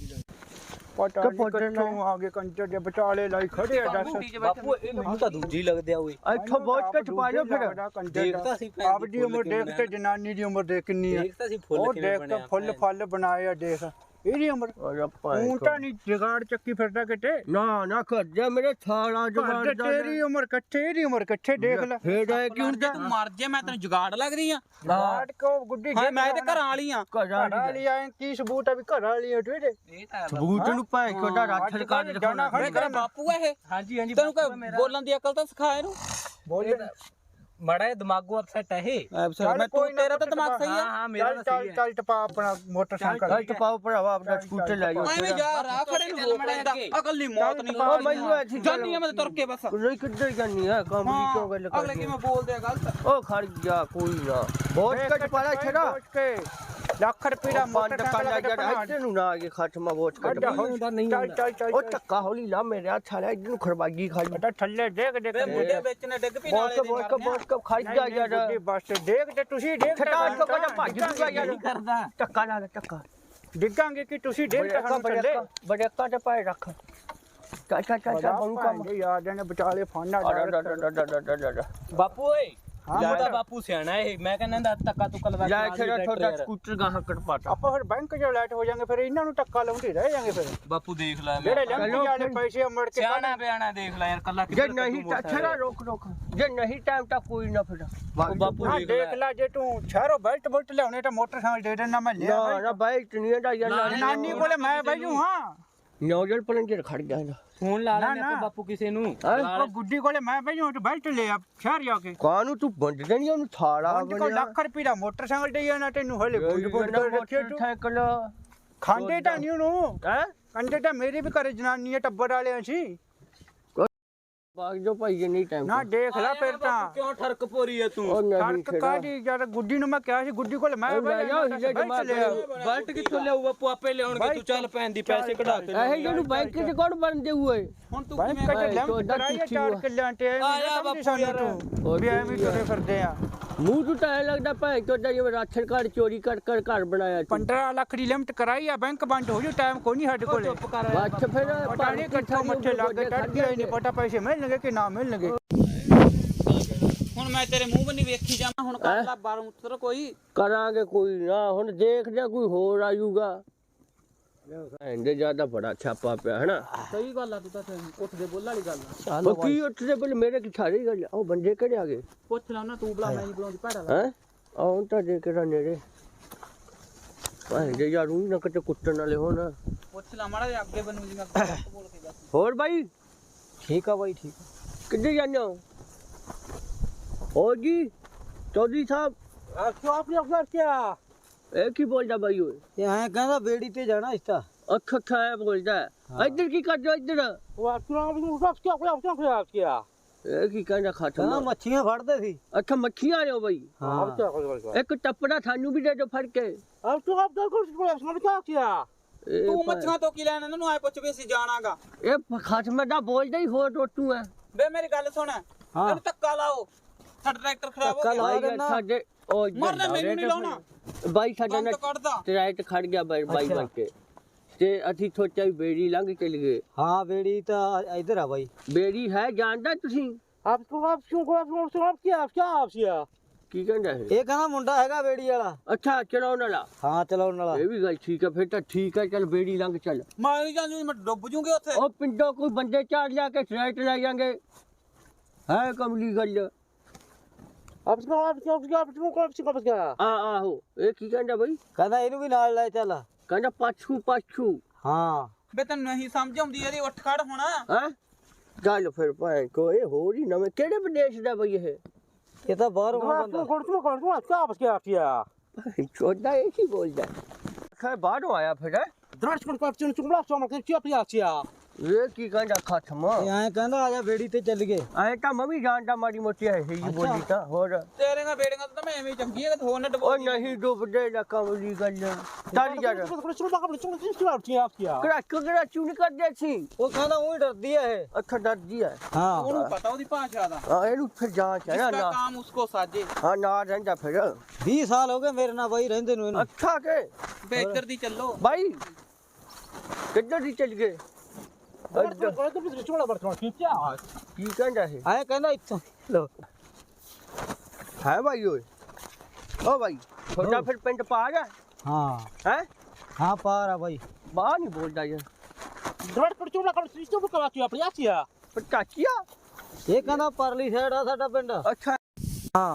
E: ਪਤਾ ਨਹੀਂ ਕਿੱਥੋਂ ਆ ਗਏ ਕੰਜਰ ਦੇ ਵਿਚਾਲੇ ਲਾਈ ਖੜੇ ਆ ਦੱਸ।
F: ਬਾਪੂ ਇਹ ਮੈਨੂੰ ਤਾਂ ਦੂਜੀ ਲੱਗਦੇ ਆ ਓਏ।
A: ਇੱਥੋਂ ਬਹੁਤ ਕੇ ਛਪਾ ਲਿਓ ਫਿਰ।
F: ਦੇਖਦਾ ਸੀ ਭੈਣ
E: ਆਪ ਦੀ ਉਮਰ ਦੇਖ ਤੇ ਜਨਾਨੀ ਦੀ ਉਮਰ ਦੇਖ ਕਿੰਨੀ ਆ।
F: ਦੇਖਦਾ ਸੀ
E: ਉਹ
F: ਫੁੱਲ ਕਿਵੇਂ
E: ਦੇਖ
F: ਬਣਿਆ
E: ਤਾਂ ਫੁੱਲ ਫਲ ਬਣਾਏ ਆ ਦੇਖ ਇਹਦੀ ਉਮਰ।
A: ਓਏ ਭਾਈ
E: ਤੂੰ ਤਾਂ ਨਹੀਂ ਜਗਾੜ ਚੱਕੀ ਫਿਰਦਾ ਕਿਤੇ।
A: ਨਾ ਨਾ ਕਰ ਜਾ ਮੇਰੇ ਥਾਲਾ ਜਵਾਨ
E: ਘਰ ਤੇ ਤੇਰੀ ਉਮਰ ਕੱਠੇ, ਇਹਦੀ ਉਮਰ ਕੱਠੇ ਦੇਖ ਲੈ।
A: ਫੇਰ ਹੈ ਕਿ ਹੁੰਦਾ
B: ਤੂੰ ਮਰ ਜੇ, ਮੈਂ ਤੈਨੂੰ ਜੁਗਾੜ ਲੱਗਦੀ ਆ।
E: ਜਗਾੜ ਕੋ ਗੁੱਡੀ
B: ਹਾਂ ਮੈਂ ਤੇ ਘਰਾਂ ਵਾਲੀ ਆ।
A: ਘਰਾਂ
E: ਘਰ ਵਾਲੀ ਆਏ ਕੀ ਸਬੂਤ ਆ ਵੀ ਘਰ ਵਾਲੀ ਆ ਤੂੰ ਇਹਦੇ?
B: ਇਹ ਤਾਂ
A: ਸਬੂਤ ਨੂੰ ਭਾਈ ਕੋਦਾ ਰਾਖੜ ਕਰ ਦਿਖਾਉਣਾ।
B: ਮੈਂ ਤੇਰਾ ਬਾਪੂ ਆ ਇਹ।
F: ਹਾਂਜੀ ਹਾਂਜੀ
B: ਤੈਨੂੰ ਕੋਈ ਬੋਲਣ ਦੀ ਅਕਲ ਤਾਂ ਸਿਖਾ ਇਹਨੂੰ।
E: ਬੋਲੇ
F: ਮਾੜਾ ਜਿਹਾ ਦਿਮਾਗੋਂ ਅਪਸੈਟ ਹੈ ਇਹ
E: ਚੱਲ
B: ਮੈਂ
E: ਕੋਈ
B: ਤੂੰ
E: ਨਾ
B: ਤੇਰਾ ਤਾਂ
E: ਪੁੱਤ
B: ਦਿਮਾਗ ਸਹੀ
F: ਹਾਂ
B: ਆ
F: ਹਾਂ ਮੇਰਾ
E: ਚੱਲ
F: ਤਾਂ
E: ਚੱਲ
F: ਸਹੀ ਹੈ
E: ਚੱਲ ਟਪਾ ਆਪਣਾ ਮੋਟਰਸਾਈਕਲ
A: ਗਲਤ ਪਾਓ ਭਰਾਵਾ ਆਪਣਾ ਸਕੂਟਰ ਲੈ ਜਾਓ
B: ਐਵੇਂ ਯਾਰ ਆ ਖੜੇ ਨੂੰ ਰੋਕ ਲੈਂਦਾ ਅਕਲ ਨਹੀਂ ਮੌਤ ਨਹੀਂ
A: ਉਹ ਮੈਨੂੰ ਇੱਥੇ
B: ਜਾਨੀ ਆ ਮੈਂ ਤੁਰ ਕੇ ਬਸ
A: ਨਹੀਂ ਕਿੱਧਰ ਜਾਨੀ ਹੈ ਕਾਮਲੀ ਕਿਉਂ ਗੱਲ
B: ਅਗਲੇ
A: ਕਰਦੀ
B: ਕਿਵੇਂ ਬੋਲਦੇ ਆ ਗਲਤ
A: ਉਹ ਖੜ ਜਾ ਕੋਈ ਨਾ ਬਹੁਤ ਕੱਟ ਪਾਲਾ ਛੜਾ
E: ਕੇ ਲੱਖ ਰੁਪਏ ਦਾ
A: ਬੰਦ ਕਰ
E: ਮੋਟਰਸਾਈਕਲ
A: ਲੈ
E: ਲੈ
A: ਜਾ ਇੱਥੇ ਨੂੰ ਨਾ ਆ ਕੇ ਖਤਮਾ ਬਹੁਤ ਕੱਟ
E: ਚੱਲ ਚੱਲ ਚੱਲ
A: ਉਹ ਟੱਕਾ ਹੌਲੀ ਲਾ ਮੇਰੇ ਹੱਥ ਵਾਲਾ ਇੱਧਰ ਨੂੰ ਖਰਬਾਗੀ ਖਾ
E: ਬੇਟਾ ਥੱਲੇ ਦੇਖ ਦੇਖ
B: ਵੇ ਮੁੰਡੇ ਵਿੱਚ ਨੇ ਡਿੱਗ ਪਈ ਨਾਲੇ
A: ਬਹੁਤ
B: ਦੇ
A: ਬਹੁਤ ਬਹੁਤ ਕਬ ਖੜ ਜਾ ਯਾਰ
E: ਬੁੱਢੀ ਬਸ ਦੇਖ ਤੇ ਤੁਸੀਂ ਦੇਖ
A: ਛਟਾ ਤੋਂ ਕਾ ਭੱਜ ਜੂਗਾ ਯਾਰ
F: ਕਰਦਾ
A: ਟੱਕਾ ਲਾ ਟੱਕਾ
E: ਡਿੱਗਾਂਗੇ ਕਿ ਤੁਸੀਂ ਦੇਖ ਤੇ ਸਾਨੂੰ ਥੱਲੇ
A: ਬੜੇ ਅੱਕਾ ਤੇ ਪਾਏ ਰੱਖ ਚੱਲ ਚੱਲ ਚੱਲ ਚੱਲ ਬਰੂ ਕੰਮ
E: ਯਾਰ ਜਣੇ ਵਿਚਾਲੇ ਫਾਨਾ ਡਰ
F: ਬਾਪੂ ਓਏ
E: ਹਾਂ,
F: ਹਾਂ
E: ਬੇਟਾ।
F: ਬਾਪੂ ਸਿਆਣਾ ਇਹ ਮੈਂ ਕਹਿੰਦਾ ਧੱਕਾ ਤੁੱਕਾ ਲਵਾ
A: ਲੈ
F: ਕੇ
A: ਛੜਾ
F: ਨਾਲ ਹੀ
A: ਤੁਹਾਡਾ
F: ਟਰੈਕਟਰ
A: ਸਕੂਟਰ ਗਾਹਾਂ ਕੱਟ ਪਾਤਾ
E: ਆਪਾਂ ਫਿਰ ਬੈਂਕ 'ਚ ਲੈਟ ਹੋ ਜਾਾਂਗੇ ਫਿਰ ਇਹਨਾਂ ਨੂੰ ਟੱਕਾ ਲਾਉਂਦੇ ਰਹਿ ਜਾਾਂਗੇ ਫਿਰ
F: ਬਾਪੂ ਦੇਖ ਲੈ
E: ਜਿਹੜੇ
F: ਮੈਂ
E: ਲੰਘੀ ਵਾਲੇ ਪੈਸੇ ਮੁੜ ਕੇ
F: ਸਿਆਣਾ ਬਿਆਣਾ ਦੇਖ ਲੈ ਯਾਰ ਕੱਲਾ
A: ਜੇ ਨਹੀਂ ਤਾਂ ਛੜਾ ਰੋਕ ਰੋਕ ਜੇ ਨਹੀਂ ਟਾਈਮ ਤਾਂ ਕੋਈ ਨਾ ਫਿਰ
F: ਬਾਪੂ
E: ਹਾਂ
F: ਦੇਖ
E: ਦੇਖ
F: ਲੈ
E: ਲੈ ਜੇ ਤੂੰ ਸ਼ਹਿਰੋਂ ਬੈਲਟ ਬੁਲਟ ਲਿਆਉਣੇ ਤਾਂ ਮੋਟਰਸਾਈਕਲ ਦੇ ਦੇਣਾ ਮੈਂ ਲਿਆ
A: ਨਾ ਨਾ ਬਾਈ ਟਨੀਆਂ ਦਾ ਯਾਰ
E: ਨਾਨੀ ਕੋਲੇ ਮੈਂ ਬੈਜੂ ਹਾਂ
A: ਨੌਜਲ ਪਲੰਜਰ ਖੜ ਗਿਆ ਨਾ
F: ਫੋਨ ਲਾ
E: ਨਾ,
F: ਲੈਣੇ
E: ਨਾ।
F: ਆਪਾਂ ਬਾਪੂ ਕਿਸੇ ਨੂੰ
E: ਉਹ ਗੁੱਡੀ ਕੋਲੇ ਮੈਂ ਬੈਜੂ ਤੇ ਬੈਲਟ ਲੈ ਆ ਸ਼ਹਿਰ ਜਾ ਕੇ
A: ਕਾਨੂੰ ਤੂੰ ਵੰਡ ਦੇਣੀ ਉਹਨੂੰ ਥਾਲਾ
E: ਉਹਦੇ ਕੋਲ ਲੱਖ ਰੁਪਏ ਦਾ ਮੋਟਰਸਾਈਕਲ ਦੇ ਜਾਣਾ ਤੈਨੂੰ ਹਲੇ ਬੁੱਢ ਬੁੱਢ ਕਰ ਰੱਖਿਆ ਤੂੰ
A: ਸਾਈਕਲ
E: ਖਾਂਦੇ ਤਾਂ ਨਹੀਂ ਉਹਨੂੰ
A: ਹੈ
E: ਕੰਡੇ ਤਾਂ ਮੇਰੇ ਵੀ ਘਰੇ ਜਨਾਨੀ ਟੱਬਰ ਵਾਲਿਆਂ ਸੀ
A: ਬਾਗ ਜੋ ਭਾਈ ਜੇ ਨਹੀਂ ਟਾਈਮ
E: ਨਾ ਦੇਖ ਲੈ ਫਿਰ ਤਾਂ
F: ਕਿਉਂ ਠਰਕ ਪੋਰੀ ਐ ਤੂੰ
A: ਉਹ ਨਹੀਂ
E: ਸੜਕ ਕਾਦੀ ਜਦ ਗੁੱਡੀ ਨੂੰ ਮੈਂ ਕਿਹਾ ਸੀ ਗੁੱਡੀ ਕੋਲ ਮੈਂ
A: ਉਹ ਲੈ ਜਾਓ,
E: ਬੈਠ
A: ਜਮਾ
E: ਲਿਆ
F: ਬਲਟ ਕਿੱਥੋਂ ਲਿਆਊ ਬਾਪੂ ਆਪੇ ਲਿਆਉਣਗੇ ਤੂੰ ਚੱਲ ਪੈਣ ਦੀ ਪੈਸੇ ਕਢਾ ਕੇ
A: ਇਹ ਜਿਹਨੂੰ ਬੈਂਕ ਚ ਕੌਣ ਬਣਦੇ ਹੋਏ
B: ਹੁਣ ਤੂੰ
E: ਬੈਂਕ
B: ਕਿਵੇਂ
E: ਚ ਲੈਂਪ ਕਰਾਇਆ ਚਾਰ ਕਿੱਲਿਆਂ ਤੇ
F: ਆ ਜਾ ਬਾਪੂ ਯਾਰ।
E: ਵੀ ਐਵੇਂ ਤੁਰੇ ਫਿਰਦੇ ਆ
A: ਮੂੰਹ ਤੋਂ ਤਾਂ ਐਂ ਲੱਗਦਾ ਭਾਈ ਚੋਦਾ ਜਿਵੇਂ ਰਾਸ਼ਨ ਕਾਰਡ ਚੋਰੀ ਕਰ ਕਰ ਘਰ ਬਣਾਇਆ ਤੂੰ।
E: ਪੰਦਰਾਂ ਲੱਖ ਦੀ ਲਿਮਟ ਕਰਾਈ ਆ ਬੈਂਕ ਬੰਦ ਹੋ ਜੂ ਟਾਈਮ ਕੋਈ ਨਹੀਂ ਸਾਡੇ ਕੋਲੇ
F: ਚੁੱਪ ਕਰ
A: ਬੱਚ ਫਿਰ
E: ਪਤਾ ਨਹੀਂ ਕਿੱਥੋਂ ਮੱਥੇ ਲੱਗ ਕੇ ਟੱਟ ਗਿਆ ਨਹੀਂ ਪਤਾ ਪੈਸੇ ਮਿਲਣਗੇ ਕਿ ਨਾ ਮਿਲਣਗੇ
B: ਹੁਣ ਮੈਂ ਤੇਰੇ ਮੂੰਹ ਬੰਨੀ ਵੇਖੀ ਜਾਵਾਂ ਹੁਣ ਕਰ ਲੈ ਬਾਹਰ ਉਤਰ ਕੋਈ
A: ਕਰਾਂਗੇ ਕੋਈ ਨਾ ਹੁਣ ਦੇਖਦੇ ਕੋਈ ਹੋਰ ਆਜੂਗਾ ਇਹਦੇ ਜਿਆਦਾ ਬੜਾ ਛਾਪਾ ਪਿਆ ਹਨਾ
B: ਸਹੀ ਗੱਲ ਆ ਤੂੰ ਤਾਂ ਉੱਠਦੇ ਬੋਲ ਵਾਲੀ ਗੱਲ ਆ
A: ਉਹ ਕੀ ਉੱਠਦੇ ਬਲ ਮੇਰੇ ਕੀ ਸਾਰੀ ਗੱਲ ਆ? ਉਹ ਬੰਦੇ ਕਿਹੜੇ ਆ ਗਏ
B: ਪੁੱਛ ਲਾ ਨਾ ਤੂੰ ਬੁਲਾ ਮੈਂ ਨਹੀਂ ਬੁਲਾਉਂਦੀ ਭੈੜਾ
A: ਹੈ ਆਉਂ ਤਾਂ ਦੇ ਕੇ ਨੇੜੇ ਭਾਈ ਜੇ ਯਾਰ ਉਹ ਨਾ ਕਿਤੇ ਕੁੱਟਣ ਵਾਲੇ ਹੋਣ
B: ਪੁੱਛ ਲਾ ਮਾੜਾ ਜਿਹਾ ਅੱਗੇ ਬਣੂ ਜੀ ਮੈਂ ਬੋਲ ਕੇ ਦੱਸ
A: ਹੋਰ ਬਾਈ
E: ਠੀਕ ਆ ਬਾਈ ਠੀਕ
A: ਕਿੱਥੇ ਜਾਂਦੇ ਹੋ ਹੋ ਜੀ ਚੌਧਰੀ ਸਾਹਿਬ
E: ਆ ਕਿਉਂ ਆਪਨੇ ਅਫਸਰ ਕਿਆ
A: ਇਹ ਕੀ ਬੋਲਦਾ ਬਾਈ ਓਏ
E: ਇਹ ਐ ਕਹਿੰਦਾ ਬੇੜੀ ਤੇ ਜਾਣਾ ਇਸ ਤਾਂ
A: ਅੱਖ ਅੱਖਾਂ ਐ ਬੋਲਦਾ ਹੈ। ਇੱਧਰ ਕੀ ਕਰਦੇ ਹੋ ਇੱਧਰ
E: ਉਹ ਆਪਣਾ ਨੂੰ ਸਭ ਕਿਆ ਕੋਈ ਆਪਣਾ ਕਿਆ ਕਿਆ
A: ਇਹ ਕੀ ਕਹਿੰਦਾ ਖਾਤਮਾ
E: ਮੱਛੀਆਂ ਫੜਦੇ ਸੀ
A: ਅੱਛਾ ਮੱਖੀਆਂ ਨੇ ਬਾਈ
E: ਹਾਂ ਕਿਆ ਕੋਈ
A: ਇੱਕ ਟੱਪੜਾ ਸਾਨੂੰ ਵੀ ਦੇ ਦਿਓ ਫੜ ਕੇ
E: ਆਪ ਤੂੰ ਆਪ ਦਾ ਕੋਈ ਆਪਣਾ ਕਿਆ ਕਿਆ
A: ਇਹ
B: ਤੂੰ
A: ਭਾਈ-
B: ਮੱਛੀਆਂ ਤੋਂ ਕੀ ਲੈਣਾ ਇਹਨਾਂ ਨੂੰ ਆਏ ਪੁੱਛ ਵੀ ਅਸੀਂ ਜਾਣਾਗਾ
A: ਇਹ ਖਾਤਮਾ ਦਾ ਬੋਲਦਾ ਹੀ ਹੋਰ ਟੋਟੂ ਹੈ
B: ਵੇ ਮੇਰੀ ਗੱਲ ਸੁਣ ਇਹਨੂੰ ਧੱਕਾ ਲਾਓ ਸਾਡਾ ਟਰੈਕਟਰ ਖਰਾਬ ਹੋ ਗਿਆ
A: ਬਾਈ ਸਾਡੇ ਉਹ
B: ਮਰਨਾ ਮੈਨੂੰ ਨਹੀਂ ਲਾਉਣਾ
A: ਬਾਈ ਸਾਡਾ
B: ਕੰਮ
A: ਨਾ
B: ਤਾਂ ਕੱਢਦਾ
A: ਟਰੈਕਟ ਖੜ ਗਿਆ ਬਾਈ ਬਾਈ ਬਣ ਕੇ ਤੇ ਅਸੀਂ ਸੋਚਿਆ ਵੀ ਬੇੜੀ ਲੰਘ ਚਲ ਗਏ
E: ਹਾਂ ਬੇੜੀ ਤਾਂ ਇਧਰ ਆ ਬਾਈ
A: ਬੇੜੀ ਹੈ ਜਾਣਦਾ ਤੁਸੀਂ
E: ਆਪ ਤੂੰ ਆਪ ਕਿਉਂ ਕੋ ਆਪ ਨੂੰ ਆਪ ਕੀ ਆਪ ਕੀ ਆਪ ਸੀਆ
A: ਕੀ ਕਹਿੰਦਾ ਇਹ
E: ਇਹ ਕਹਿੰਦਾ ਮੁੰਡਾ ਹੈਗਾ ਬੇੜੀ ਵਾਲਾ
A: ਅੱਛਾ ਚਲਾਉਣ ਵਾਲਾ
E: ਹਾਂ ਚਲਾਉਣ ਵਾਲਾ
A: ਇਹ ਵੀ ਗੱਲ ਠੀਕ ਹੈ ਫਿਰ ਤਾਂ ਠੀਕ ਹੈ ਚੱਲ ਬੇੜੀ ਲੰਘ ਚੱਲ
B: ਮੈਂ ਨਹੀਂ ਜਾਂਦੀ ਮੈਂ ਡੁੱਬ ਜੂਗੀ ਉੱਥੇ
A: ਉਹ ਪਿੰਡੋਂ ਕੋਈ ਬੰਦੇ ਚਾਰ ਲਿਆ ਕੇ ਟਰੈਕਟ ਲੈ ਜਾਾਂਗੇ ਹੈ ਕਮਲੀ ਗੱਲ
E: ਆਪ ਕੀ ਆਪ ਕੀ ਆਪ ਕੀ ਆਪ ਨੂੰ ਕੋ ਆਪ ਕੀ
A: ਆ ਆਹੋ ਇਹ ਕੀ ਕਹਿੰਦਾ ਬਾਈ
E: ਕਹਿੰਦਾ ਇਹਨੂੰ ਵੀ ਨਾਲ ਲੈ ਚੱਲ
A: ਕਹਿੰਦਾ ਪਾਛੂ ਪਾਛੂ
E: ਹਾਂ
B: ਵੇ ਤੈਨੂੰ ਨਹੀਂ ਸਮਝ ਆਉਂਦੀ ਇਹਦੀ ਉੱਠ ਖੜ ਹੋਣਾ
A: ਹੈ ਚੱਲ ਫਿਰ ਭਾਈ ਕੋ ਇਹ ਹੋਰ ਹੀ ਨਵੇਂ ਕਿਹੜੇ ਵਿਦੇਸ਼ ਦਾ ਬਈ ਇਹ
E: ਇਹ ਤਾਂ ਬਾਹਰੋਂ ਬੰਦਾ ਕੋਣ ਤੂੰ ਕੋਣ ਤੂੰ ਆਪ ਕੀ ਆਪ ਕੀ ਆ
A: ਚੋਦਾ ਇਹ ਕੀ ਬੋਲਦਾ ਖੈ ਬਾਹਰੋਂ ਆਇਆ ਫਿਰ
E: ਦਰਸ਼ ਕੋਣ ਕੋਪ ਚੁਣ ਚੁੰਬਲਾ ਚੋਂ ਮਰ ਕੇ ਆਪੀ ਆ ਕੀ ਆ
A: ਇਹ ਕੀ ਕਹਿੰਦਾ ਖਤਮ
E: ਇਹ ਐਂ ਕਹਿੰਦਾ ਆ ਜਾ ਬੇੜੀ ਤੇ ਚੱਲ ਗਏ
A: ਐ ਤਾਂ ਮੈਂ ਵੀ ਜਾਣਦਾ ਮਾੜੀ ਮੋਟੀ ਹੈ ਹੀ ਬੋਲੀ ਤਾਂ ਹੋਰ
B: ਤੇਰੇ ਨਾਲ ਬੇੜੀਆਂ ਤਾਂ ਮੈਂ ਐਵੇਂ ਹੀ ਚੰਗੀ ਹੈ ਹੋਰ ਨਾ ਡਬੋ
A: ਉਹ ਨਹੀਂ ਡੁੱਬਦੇ ਨਾ ਕਮਲੀ ਗੱਲ ਚੱਲ ਯਾਰ ਕਰਾ ਕਰਾ ਚੂਨ ਕਰਦੇ ਸੀ
E: ਉਹ ਕਹਿੰਦਾ ਉਹ ਡਰਦੀ ਆ ਇਹ
A: ਅੱਖਾਂ ਡਰਦੀ ਹੈ
E: ਹਾਂ
B: ਉਹਨੂੰ ਪਤਾ ਉਹਦੀ ਭਾਸ਼ਾ ਦਾ
A: ਹਾਂ ਇਹਨੂੰ ਫਿਰ ਜਾਂਚ ਹੈ ਨਾ
B: ਜਿਸਕਾ
A: ਨਾ
B: ਕੰਮ ਉਸਕੋ ਸਾਜੇ
A: ਹਾਂ ਨਾ ਰਹਿੰਦਾ ਫਿਰ
E: ਵੀਹ ਸਾਲ ਹੋ ਗਏ ਮੇਰੇ ਨਾਲ ਬਾਈ ਰਹਿੰਦੇ ਨੂੰ ਇਹਨੂੰ
A: ਅੱਛਾ ਕੇ
B: ਵੇ ਇੱਧਰ ਦੀ ਚੱਲੋ
A: ਬਾਈ ਕਿੱਧਰ ਦੀ ਚੱਲ ਗਏ ਕੀ ਕਹਿੰਦਾ ਇਹ
E: ਐ ਕਹਿੰਦਾ ਇੱਥੋਂ ਲੋ
A: ਹੈ ਬਾਈ ਓਏ ਓ ਬਾਈ ਤੁਹਾਡਾ ਫਿਰ ਪਿੰਡ ਪਾ ਗਿਆ
E: ਹਾਂ
A: ਹੈ
E: ਹਾਂ ਪਾਰ ਆ ਬਾਈ
A: ਬਾਹਰ ਨਹੀਂ ਬੋਲਦਾ ਯਾਰ
E: ਦਰੜ ਕਰ ਚੁੰਬਲਾ ਕਰ ਸਿਸਟਮ ਕਰਾ ਕੇ ਆਪਣੀ ਆਸੀਆ
A: ਪਟਾਕੀਆ
E: ਇਹ ਕਹਿੰਦਾ ਪਰਲੀ ਸਾਈਡ ਆ ਸਾਡਾ ਪਿੰਡ
A: ਅੱਛਾ
E: ਹਾਂ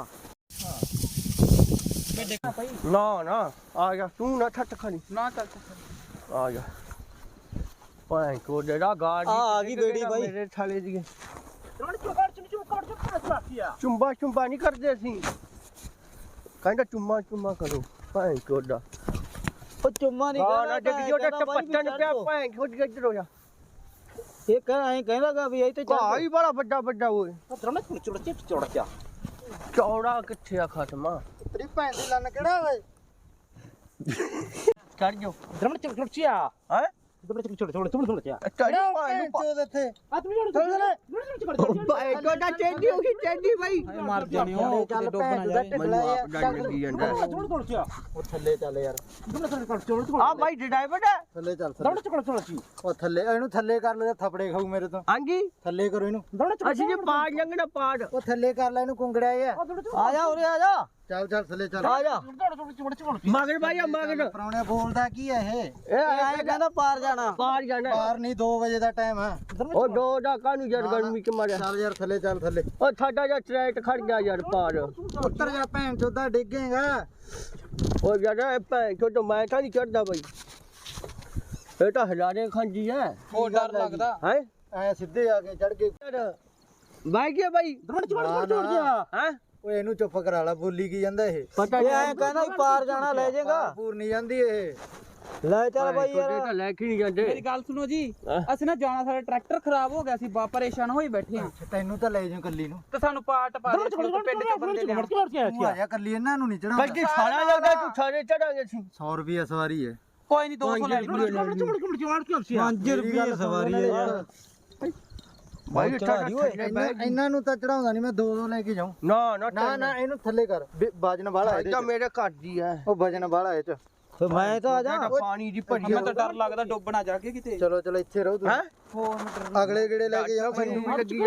A: ਨਾ ਨਾ ਆ ਜਾ ਤੂੰ ਨਾ ਠੱਟ ਖਾਣੀ
B: ਨਾ ਚੱਲ
A: ਆ ਜਾ ਭਾਈ ਕੋ ਜਿਹੜਾ ਗਾੜੀ
E: ਆ ਆ ਗਈ ਬੇੜੀ ਬਾਈ
A: ਮੇਰੇ ਥਾਲੇ ਦੀ
E: ਦਰੜ ਕਰ ਚੁੰਬਲਾ ਕਰ
A: ਚੁੰਬਾ ਚੁੰਬਾ ਨਹੀਂ ਕਰਦੇ ਅਸੀਂ ਕਹਿੰਦਾ ਚੁੰਮਾ ਚੁੰਮਾ ਕਰੋ ਭੈਣ ਚੋਦਾ
G: ਉਹ ਚੁੰਮਾ ਨਹੀਂ
A: ਹਾਂ ਨਾ ਡਿੱਗ ਜੋ ਤੇ ਪੱਟਣ ਪਿਆ ਭੈਣ ਚੋਦ ਇੱਧਰ ਹੋ ਜਾ
G: ਇਹ ਕਹਿ ਐਂ ਕਹਿੰਦਾਗਾ ਵੀ ਇਹ ਤੇ
A: ਘਾਹ ਹੀ ਬੜਾ ਵੱਡਾ ਵੱਡਾ ਓਏ
G: ਦਰਮੇ ਚੁੜ ਚੁੜ ਚਿਪ ਚੁੜ ਕਿਆ
A: ਚੌੜਾ ਕਿੱਥੇ ਆ ਖਤਮਾ
G: ਤੇਰੀ ਭੈਣ ਦੀ ਲੰਨ ਕਿਹੜਾ ਓਏ
A: ਚੜ ਜਾ
G: ਦਰਮੇ ਚੁੜ ਚੁੜ ਚਿਆ
A: ਹੈ
G: ਦਰਮੇ ਚੁੜ ਚੁੜ ਚੁੜ ਚੁੜ ਚਿਆ
A: ਚੜ ਭੈਣ ਨੂੰ
G: ਚੋਦ ਇੱਥੇ ਆ ਤੂੰ ਚੁੜ ਚੁੜ
A: ਭੈਣ ਚੋਦਾ ਚੇਂਦੀ ਹੋ ਗਈ ਚੇਂਦੀ ਬਾਈ
B: ਮਰ ਜਾਣੇ ਹੋ
G: ਚੱਲ ਭੈਣ ਦਾ
A: ਮੈਨੂੰ ਆਪ ਡਰ ਲੱਗੀ ਜਾਂਦਾ
G: ਚੁੜ ਚੁੜ ਚਿਆ ਉਹ ਥੱਲੇ ਚੱਲ ਯਾਰ ਦਰਮੇ ਚੁੜ ਚੁੜ ਚੁੜ
A: ਆ ਬਾਈ ਡਰਾਈਵਰ ਹੈ
G: ਥੱਲੇ ਚੱਲ ਦਰਮੇ ਚੁੜ ਚੁੜ ਚੀ ਉਹ ਥੱਲੇ ਇਹਨੂੰ ਥੱਲੇ ਕਰ ਲੈ ਥੱਪੜੇ ਖਾਊ ਮੇਰੇ ਤੋਂ
A: ਹਾਂਜੀ
G: ਥੱਲੇ ਕਰੋ ਇਹਨੂੰ ਦਰਮੇ
A: ਅਸੀਂ ਜੇ ਪਾੜ ਲੰਗਣਾ ਪਾੜ
G: ਉਹ ਥੱਲੇ ਕਰ ਲੈ ਇਹਨੂੰ ਕੁੰਗੜਿਆ ਆ ਜਾ ਉਰੇ ਆ ਜਾ ਚੱਲ ਚੱਲ ਥੱਲੇ ਚੱਲ
A: ਆ ਜਾ
G: ਚੁੜ ਚੁੜ ਚੁੜ
A: ਮਗਰ ਬਾਈ ਆ ਮਗਰ
G: ਪਰੌਣੇ ਬੋਲਦਾ ਕੀ ਹੈ ਇਹ
A: ਇਹ ਐਂ ਕਹਿੰਦਾ ਪਾਰ ਜਾਣਾ ਪਾਰ ਜਾਣਾ
G: ਬਾਹਰ ਨਹੀਂ ਦੋ ਵਜੇ ਦਾ ਟਾਈਮ ਹੈ
A: ਉਹ ਦੋ ਦਾ ਕਾਹਨੂੰ ਯਾਰ ਗਰਮੀ ਚ ਮਾਰਿਆ
G: ਚੱਲ ਯਾਰ ਥੱਲੇ ਚੱਲ ਥੱਲੇ
A: ਉਹ ਸਾਡਾ ਜਿਹਾ ਟਰੈਕਟ ਖੜ ਗਿਆ ਯਾਰ ਪਾਰ
G: ਉੱਤਰ ਜਾ ਭੈਣ ਚੋਦਾ ਡਿੱਗੇਗਾ
A: ਉਹ ਯਾਰ ਇਹ ਭੈਣ ਚੋਦ ਮੈਂ ਤਾਂ ਨਹੀਂ ਚੜਦਾ ਬਾਈ ਇਹ ਤਾਂ ਹਜ਼ਾਰੇ ਖਾਂਦੀ ਹੈ
B: ਉਹ ਡਰ ਲੱਗਦਾ
A: ਹੈ
G: ਐ ਸਿੱਧੇ ਆ ਕੇ ਚੜ ਕੇ
A: ਬਾਈ ਗਿਆ ਬਾਈ
G: ਚੜ ਚੜ ਚੜ ਗਿਆ
A: ਹੈ
G: ਓਏ ਇਹਨੂੰ ਚੁੱਪ ਕਰਾ ਲਾ ਬੋਲੀ ਕੀ ਜਾਂਦਾ ਇਹ
A: ਪਤਾ
G: ਇਹ ਐ ਕਹਿੰਦਾ ਪਾਰ ਜਾਣਾ ਲੈ ਜਾਏਗਾ ਪੂਰ ਨਹੀਂ ਜਾਂਦੀ ਇਹ ਲੈ ਚੱਲ ਬਾਈ
A: ਇਹ ਤਾਂ
G: ਯਾਰ
A: ਲੈ ਕੇ ਨਹੀਂ ਜਾਂਦੇ
B: ਮੇਰੀ ਗੱਲ ਸੁਣੋ ਜੀ
A: ਹਾਂ।
B: ਅਸੀਂ ਨਾ ਜਾਣਾ ਸਾਡਾ ਟਰੈਕਟਰ ਖਰਾਬ ਹੋ ਗਿਆ ਸੀ ਬਾ ਪਰੇਸ਼ਾਨ ਹੋਈ ਬੈਠੇ ਆ
G: ਤੈਨੂੰ ਤਾਂ ਲੈ ਜਾਉ ਕੱਲੀ ਨੂੰ
B: ਤੇ ਸਾਨੂੰ ਪਾਰਟ ਪਾ ਦੇ ਪਿੰਡ ਚ ਬੰਦੇ ਲਿਆ
G: ਤੂੰ ਆ ਜਾ ਕੱਲੀ ਇਹਨਾਂ ਨੂੰ ਨਹੀਂ ਚੜਾਉਂਦਾ
A: ਬਲਕਿ ਸਾਰਾ ਲੱਗਦਾ ਤੂੰ ਸਾਰੇ ਚੜਾਂਗੇ ਸੀ
G: ਸੌ ਰੁਪਏ ਸਵਾਰੀ ਹੈ
B: ਕੋਈ ਨਹੀਂ ਦੋ ਸੌ ਲੈ ਲਈ
G: ਪੰਜ ਰੁਪਏ ਸਵਾਰੀ ਹੈ ਯਾਰ
A: ਬਾਈ
G: ਇਹਨਾਂ ਨੂੰ ਤਾਂ ਚੜਾਉਂਦਾ ਨਹੀਂ ਮੈਂ ਦੋ ਦੋ ਲੈ ਕੇ ਜਾਉਂ
A: ਨਾ ਨਾ
G: ਨਾ ਨਾ ਇਹਨੂੰ ਥੱਲੇ ਕਰ ਵੀ ਵਜਨ ਵਾਲਾ
A: ਇਹ ਤਾਂ ਮੇਰੇ ਘਰ ਦੀ ਹੈ
G: ਉਹ ਵਜਨ ਵਾਲਾ ਇਹ ਚ ਮੈਂ ਤਾਂ ਆ ਜਾ
A: ਪਾਣੀ ਦੀ ਭਰੀ
B: ਮੈਂ ਤਾਂ ਡਰ ਲੱਗਦਾ ਡੁੱਬਣਾ ਜਾ ਕੇ ਕਿਤੇ
G: ਚਲੋ ਚਲੋ ਇੱਥੇ ਰਹੋ
A: ਹੈ
G: ਤੁਸੀਂ ਅਗਲੇ ਗੇੜੇ ਲੈ ਕੇ ਜਾਓ
A: ਮੈਨੂੰ ਵੀ ਲੱਗੀ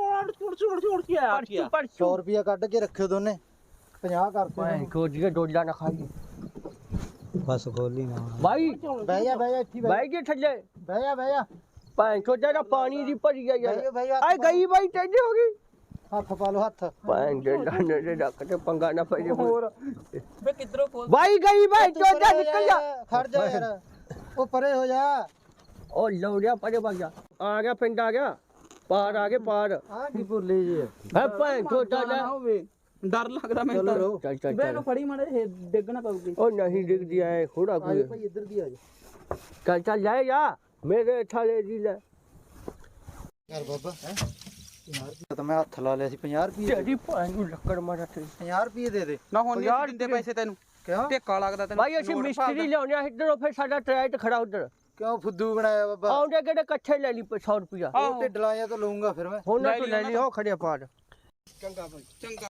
A: ਜਾਂਦਾ
G: ਸੌ ਰੁਪਿਆ ਕੱਢ ਕੇ ਰੱਖਿਓ ਦੋਨੇ ਪੰਜਾਹ ਕਰਤੇ
A: ਭਾਈ ਕੋਜੀਏ ਡੋਲਾ ਨਾ ਖਾਈ
G: ਬਸ ਖੋਲੀ ਨਾ
A: ਬਾਈ
G: ਬਹਿ ਜਾ ਬਹਿ ਜਾ ਇੱਥੇ
A: ਬਾਈ ਕੇ ਥੱਲੇ
G: ਬਹਿ ਜਾ ਬਹਿ ਜਾ
A: ਭਾਈ ਕੋਜਾ ਦਾ ਪਾਣੀ ਦੀ ਭਰੀ ਆ ਯਾਰ
G: ਬਹਿ ਜਾ, ਬਹਿ ਜਾ,
A: ਆਏ ਗਈ ਬਾਈ ਟੈਂਡੇ ਹੋ ਗਈ
G: ਹੱਥ ਪਾ ਲਓ ਹੱਥ
A: ਭਾਈ ਦੇ ਲਾਣੇ ਦੇ ਰੱਖ ਤੇ ਪੰਗਾ ਨਾ ਪਈ ਹੋਰ
B: ਵੇ ਕਿੱਧਰੋਂ ਖੋਲ
A: ਬਾਈ ਗਈ ਬਾਈ ਚੋਜਾ ਨਿਕਲ ਜਾ
G: ਖੜ ਜਾ ਯਾਰ ਉਹ ਪਰੇ ਹੋ ਜਾ
A: ਉਹ ਲੌੜਿਆ ਪਰੇ ਵਗ ਜਾ ਆ ਗਿਆ ਪਿੰਡ ਆ ਗਿਆ ਪਾਰ ਆ ਗਏ ਪਾਰ
G: ਆ ਕੀ ਭੁੱਲੇ ਜੀ
A: ਹੈ ਭਾਈ ਕੋਜਾ
B: ਨਾ
A: ਦਾ
B: ਹੋਵੇ ਡਰ ਲੱਗਦਾ ਮੈਨੂੰ ਤਾਂ
G: ਚਲੋ
A: ਚੱਲ ਚੱਲ
B: ਵੇ
A: ਚੱਲ
B: ਇਹਨੂੰ ਫੜੀ ਮਾੜੇ ਡਿੱਗਣਾ ਪਊਗੀ
A: ਉਹ ਨਹੀਂ ਡਿੱਗਦੀ ਐ ਖੋੜਾ
G: ਆ ਜਾ
A: ਕੋਈ
G: ਭਾਈ ਇੱਧਰ ਦੀ ਆ ਜਾ
A: ਚੱਲ ਚੱਲ ਲੈ ਜਾ ਮੇਰੇ ਥਾਲੇ ਦੀ ਲੈ
G: ਯਾਰ ਬਾਬਾ ਹੈ ਪੰਜਾਹ ਰੁਪਏ ਤਾਂ ਮੈਂ ਹੱਥ ਲਾ ਲਿਆ ਸੀ ਪੰਜਾਹ ਰੁਪਏ
A: ਤੇਰੀ ਭਾਈ ਨੂੰ ਲੱਕੜ ਮਾਰਾ ਤੇ
G: ਪੰਜਾਹ ਰੁਪਏ ਦੇ ਦੇ
B: ਨਾ ਹੁਣ ਨਹੀਂ ਦਿੰਦੇ ਪੈਸੇ ਤੈਨੂੰ
G: ਕਿਉਂ
B: ਢੇਕਾ ਲੱਗਦਾ ਤੈਨੂੰ
A: ਭਾਈ ਅਸੀਂ ਮਿਸਤਰੀ ਲਿਆਉਣੇ ਆ ਇੱਧਰੋਂ ਫਿਰ ਸਾਡਾ ਟਰੈਕਟ ਖੜਾ ਉੱਧਰ
G: ਕਿਉਂ ਫੁੱਦੂ ਬਣਾਇਆ ਬਾਬਾ
A: ਆਉਂਦੇ ਕਿਹੜੇ ਇਕੱਠੇ ਲੈ ਲਈ ਸੌ ਰੁਪਿਆ
G: ਉਹ ਢਿੱਡ ਲਾਇਆ ਤਾਂ ਲਊਂਗਾ ਫਿਰ ਮੈਂ
A: ਹੁਣ ਤੂੰ ਲੈ ਲਈ ਉਹ ਖੜਿਆ ਪਾਰ
B: ਚੰਗਾ ਭਾਈ ਚੰਗਾ